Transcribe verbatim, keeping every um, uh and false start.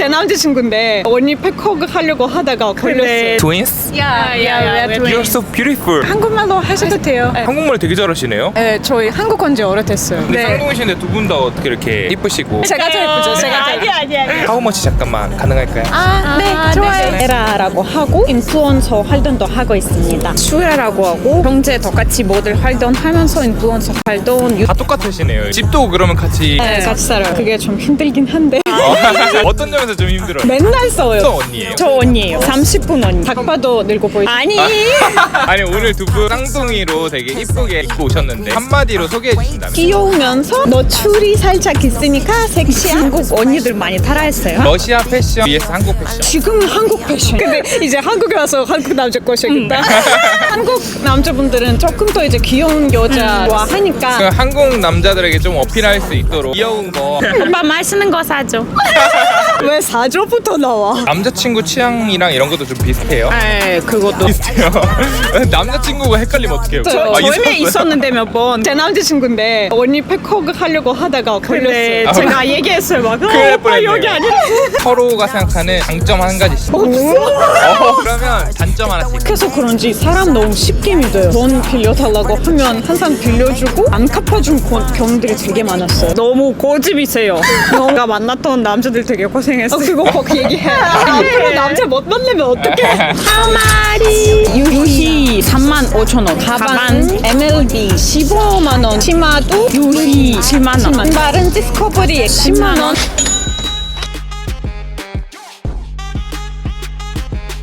제 남자친구인데 언니 팩허그 하려고 하다가 걸렸어요. Twins? Yeah, yeah, we're You're so beautiful. 한국말로 하셔도 돼요. 네. 한국말 되게 잘하시네요. 네, 저희 한국 온 지 오래됐어요. 근데 쌍둥이신데 두 분 다 어떻게 이렇게 이쁘시고? 제가 더 예쁘죠. 제가 더 예쁘죠. 아니 아니. 하우머치 잠깐만 가능할까요? 아, 네, 좋아요. 에라라고 하고 인플루언서 활동도 하고 있습니다. 슈에라고 하고 경제 똑같이 모델 활동하면서 인플루언서 활동 유... 다 똑같으시네요. 집도 그러면 같이 네, 같이 살아요. 그게 좀 힘들긴 한데 어떤 점에서 좀 힘들어요? 맨날 싸워요. 어떤 언니예요? 저 언니예요. 삼십 분 언니. 딱 봐도 늙어 보이죠. 아니. 아니 오늘 두 분 쌍둥이로 되게 이쁘게 입고 오셨는데 한마디로 소개해 주신다면? 귀여우면서 노출이 살짝 있으니까 섹시한 한국 언니들 많이 따라했어요. 러시아 패션 vs 한국 패션. 지금 한국 패션. 근데 이제 한국에 와서 한국 남자 꼬셔야겠다. 한국 남자분들은 조금 더 이제 귀여운 여자와 하니까 그 한국 남자들에게 좀 어필할 수 있도록 귀여운 거. 오빠 맛있는 거 사줘. 왜 사조부터 나와? 남자친구 취향이랑 이런 것도 좀 비슷해요? 네, 그것도. 비슷해요. 남자친구가 헷갈리면 어떡해요? 저, 아, 저희 있었어요? 있었는데 몇 번. 제 남자친구인데 언니 팩허그 하려고 하다가 걸렸어요. 아, 제가 얘기했어요. 막 큰일 날 어, 오빠 뻔했네요. 여기 아니라. 서로가 생각하는 장점 한 가지씩. 어, 그러면 단점 하나씩. 그래서 그런지 사람 너무 쉽게 믿어요. 돈 빌려달라고 하면 항상 빌려주고 안 갚아준 고- 경우들이 되게 많았어요. 너무 고집이세요. 내가 만났던 남자들 되게 고생했어. 어, 그거 꼭 얘기해. 앞으로 남자 못 만나면 어떡해. 하마리 유희 삼만 오천 원. 가방, 엠엘비 십오만 원, 치마도 유희 칠만 원. 신발은 디스커버리 십만 원.